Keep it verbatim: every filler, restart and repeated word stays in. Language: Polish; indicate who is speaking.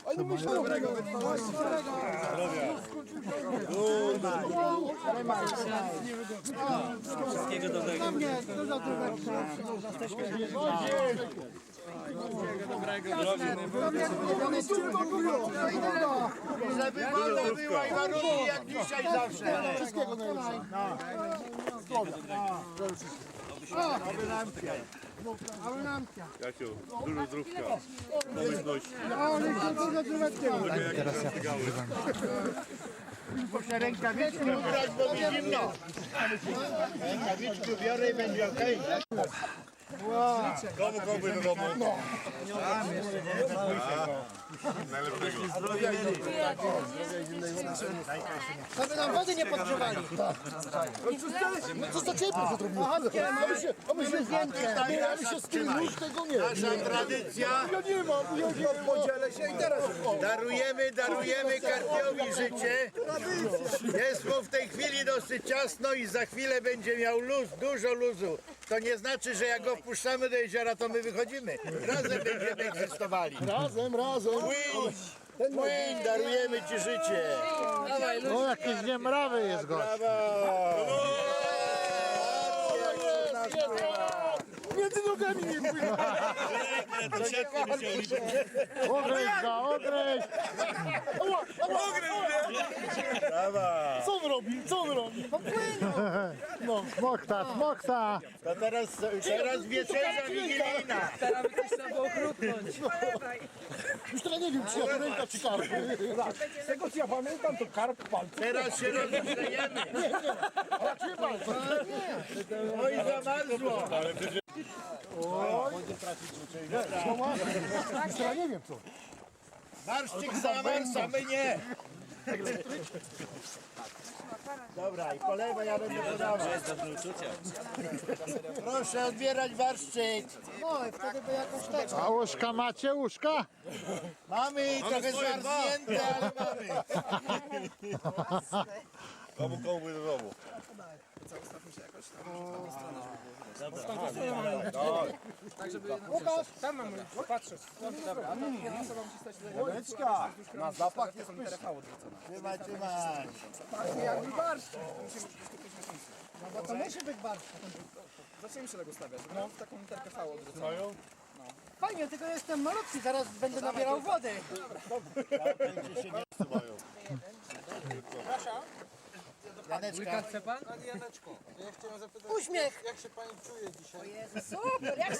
Speaker 1: Ale myślę dobrego.
Speaker 2: Wszystkiego dobrego.
Speaker 3: Żeby woda była i warunki jak dzisiaj zawsze.
Speaker 1: Wszystkiego najlepszego.
Speaker 4: Jasiu, dużo zdrówka, pomyślności.
Speaker 1: Teraz ja
Speaker 3: Muszę rękawiczki ubrać, bo mi zimno. Rękawiczki biorę i będzie okej.
Speaker 4: Komu kołby do domu? No. Najlepszego.
Speaker 1: żeby nam wody nie podgrzewali. No co za ciepło to zrobiło? A my się, a my się zdjęcie. A my się z tym już tego nie.
Speaker 3: Nasza tradycja.
Speaker 1: Ja nie mam, ja nie mam. Podzielę się i teraz.
Speaker 3: Darujemy, darujemy Karpiowi życie. Jest mu w tej chwili dosyć ciasno i za chwilę będzie miał luz, dużo luzu. To nie znaczy, że jak go wpuszczamy do jeziora, to my wychodzimy. Razem będziemy egzystowali.
Speaker 1: Razem, razem.
Speaker 3: Płyń, płyń, darujemy ci życie.
Speaker 1: No jakieś niemrawy jest gość. Między nogami nie płynie. Ogryź go, ogryź. Co on robi? Co on robi? No płynie. No, smokta, smokta.
Speaker 3: To teraz, teraz wieczerza wigilijna.
Speaker 2: Teraz by coś trzeba było chrupnąć.
Speaker 1: Już teraz nie wiem, czy ja to ręka, czy karp. Z tego co ja pamiętam, to karp palce.
Speaker 3: Teraz się rozgrzejemy.
Speaker 1: Raczej palce.
Speaker 3: Oj, zamarzło.
Speaker 1: Już teraz nie wiem co.
Speaker 3: Marszczyk zamarza, my nie. Dobra, i po lewej ja będę podawał. Proszę odbierać warszczyk.
Speaker 1: No i wtedy by jakoś tak. A łóżka macie, łóżka?
Speaker 3: Mamy i trochę zmarznięte, ale mamy.
Speaker 4: Komu kołby do domu?
Speaker 1: Łukasz!
Speaker 2: Tam mam patrzeć. Dobra, a to jedna osoba musi stać tutaj.
Speaker 1: Łyczka! Na zapach jest pyszny.
Speaker 3: Trzymaj, trzymaj.
Speaker 2: Jakby barszcz.
Speaker 1: No bo to musi być barszcz.
Speaker 2: Zaczniemy się tego stawiać, żeby w taką literkę V odwróconą.
Speaker 1: Fajnie, tylko jestem malutki, zaraz będę nabierał wody.
Speaker 3: Janeczka.
Speaker 2: Chce pan?
Speaker 1: Uśmiech!
Speaker 5: Jak się pani czuje dzisiaj?
Speaker 1: Super! Jak